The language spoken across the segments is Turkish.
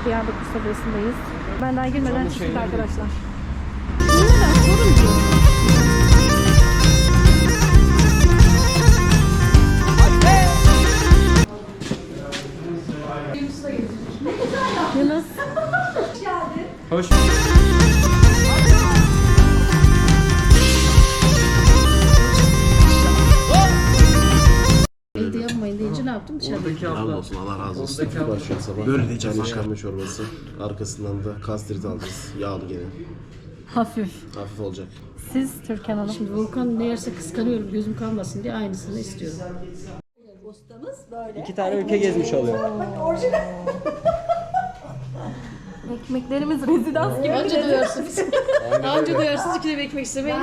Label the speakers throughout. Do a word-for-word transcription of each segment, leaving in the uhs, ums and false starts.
Speaker 1: Diyarbakır sofrasındayız. Ben daha girmeden çıktık
Speaker 2: şeyleri-
Speaker 1: arkadaşlar. Neden? Sorun diyor. Yunus.
Speaker 2: Hoş.
Speaker 1: Evde yapmayın deyince ne yaptım? Dışarıda.
Speaker 2: Oradaki
Speaker 3: Selam
Speaker 2: abla.
Speaker 3: olsun, Allah razı olsun.
Speaker 2: Oradaki abla.
Speaker 3: Başlıyor sabah.
Speaker 2: Böyle diyeceğiz
Speaker 3: Yani
Speaker 2: ya.
Speaker 3: şarma çorbası. Arkasından da kastrit alacağız. Yağlı gene.
Speaker 1: Hafif.
Speaker 3: Hafif olacak.
Speaker 1: Siz Türkan Hanım.
Speaker 4: Şimdi Volkan ne yerse kıskanıyorum, gözüm kalmasın diye aynısını istiyorum.
Speaker 2: İki tane ülke gezmiş oluyor.
Speaker 1: Ekmeklerimiz rezidans gibi.
Speaker 4: Anca doyarsınız. Anca doyarsınız, iki de ekmek istemeyin.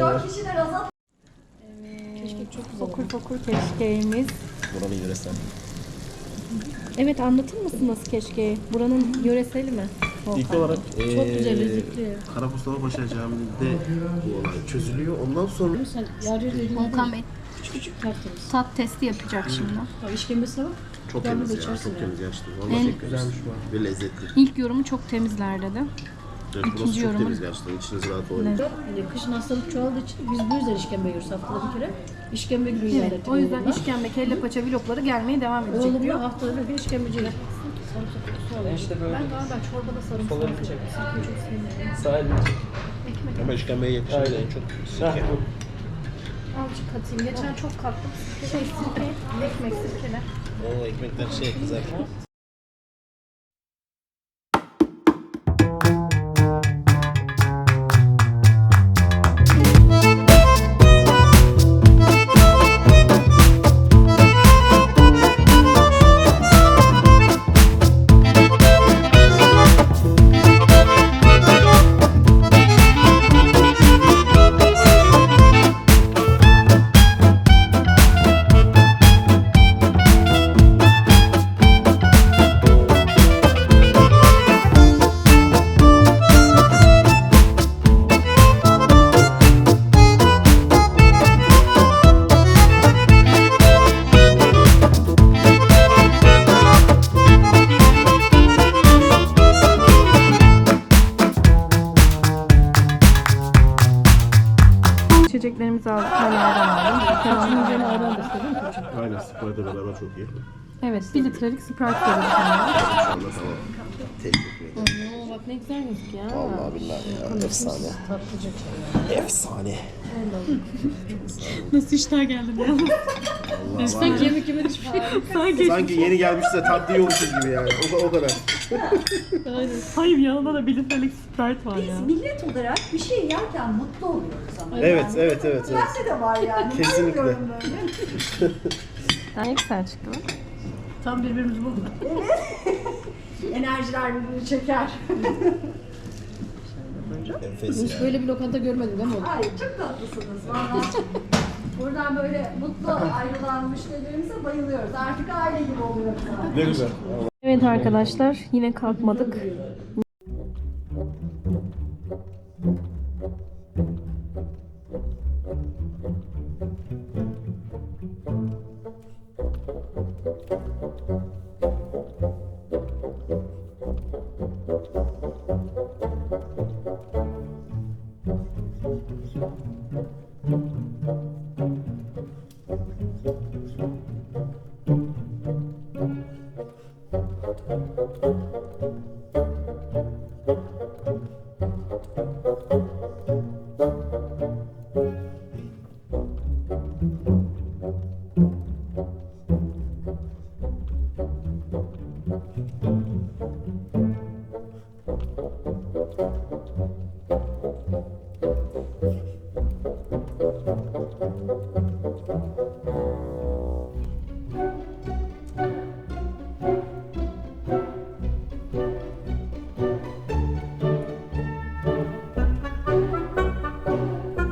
Speaker 4: Keşke çok güzel.
Speaker 1: Fokur fokur keşkeğimiz.
Speaker 3: Buranın yöresel.
Speaker 1: Evet, anlatır mısınız keşkeği? Buranın yöreseli mi?
Speaker 3: İlk olarak
Speaker 4: Çok güzel, lezzetli.
Speaker 3: Karamustafa Paşa Camii'nde bu olay çözülüyor. Ondan sonra
Speaker 4: Sen yarı dediğin
Speaker 1: Volkan Bey
Speaker 4: küçük küçük tertemiz.
Speaker 1: tat testi yapacak şimdi.
Speaker 4: Abi işkembesine bak.
Speaker 3: çok
Speaker 4: Devamlı
Speaker 3: temiz ya.
Speaker 4: içersin
Speaker 3: Çok
Speaker 4: ya.
Speaker 3: temiz gerçekten. Vallahi
Speaker 1: En-
Speaker 3: çok güzelmiş bu. Ve lezzetli.
Speaker 1: İlk yorumu çok temizler dedi.
Speaker 3: Evet, burası
Speaker 1: İkinci
Speaker 3: çok
Speaker 1: yorumu-
Speaker 3: temiz gerçekten. İçiniz rahat olun.
Speaker 1: Evet.
Speaker 4: Bir de kışın hastalık çoğaldığı için biz bu yüzden işkembe yiyoruz haftada bir kere. İşkembe günü ilan
Speaker 1: Evet,
Speaker 4: ettik
Speaker 1: o yüzden
Speaker 4: oğlumla.
Speaker 1: işkembe, kelle paça vlogları gelmeye devam edecek
Speaker 4: Oğlumla
Speaker 1: diyor.
Speaker 4: haftada bir gün işkembeciler. Sarımsak kokusu alıyor.
Speaker 2: İşte böyle.
Speaker 1: Ben galiba çorbada sarımsak
Speaker 2: Soları
Speaker 1: yapıyorum.
Speaker 2: çek.
Speaker 1: Sirkeyi çok sevmiyorum.
Speaker 2: Sahilde.
Speaker 3: Ama işkembeye yakışan
Speaker 2: Aynen.
Speaker 3: en çok sirke.
Speaker 1: Azıcık katayım. Geçen çok kattım. Şey sirke, ekmek sirkele.
Speaker 3: O ekmekler şey kızar.
Speaker 1: İçeceklerimizi aldık. Ben ayran aldım.
Speaker 4: Kaçının üzerine ayran da istedim mi çocuğum?
Speaker 3: Aynen. Sprite'le beraber çok iyi.
Speaker 1: Evet, bir litrelik Sprite veriyoruz sana.
Speaker 3: Şu anda tamam. Tek ekmeği.
Speaker 1: Oo, bak ne güzel gözüküyor.
Speaker 3: Vallahi billahi ya. Efsane.
Speaker 4: Tatlıcık.
Speaker 3: Efsane.
Speaker 1: Nasıl iştah geldin ya?
Speaker 4: Sanki yemek yemedik hiçbir şey.
Speaker 1: Sanki.
Speaker 3: Sanki yeni gelmiş de tatlı yiyormuşuz gibi yani. O, o kadar.
Speaker 1: Hayır, yanında da bir litrelik Sprite var ya.
Speaker 5: Biz millet olarak bir şey yerken mutlu oluyoruz ama.
Speaker 3: Evet,
Speaker 5: yani.
Speaker 3: evet, evet, evet.
Speaker 5: Bende de var yani.
Speaker 3: Kesinlikle.
Speaker 5: Bilmiyorum böyle.
Speaker 1: Ne güzel çıktı.
Speaker 4: Tam birbirimizi bulduk.
Speaker 5: Enerjiler birbirini çeker.
Speaker 3: Enfes
Speaker 4: Hiç
Speaker 3: ya.
Speaker 4: böyle bir lokanta görmedim değil mi oğlum?
Speaker 5: Ay çok tatlısınız valla. Buradan böyle mutlu ayrılan müşterilerimize bayılıyoruz. Artık aile gibi oluyoruz.
Speaker 3: Ne güzel.
Speaker 1: Evet arkadaşlar, yine kalkmadık.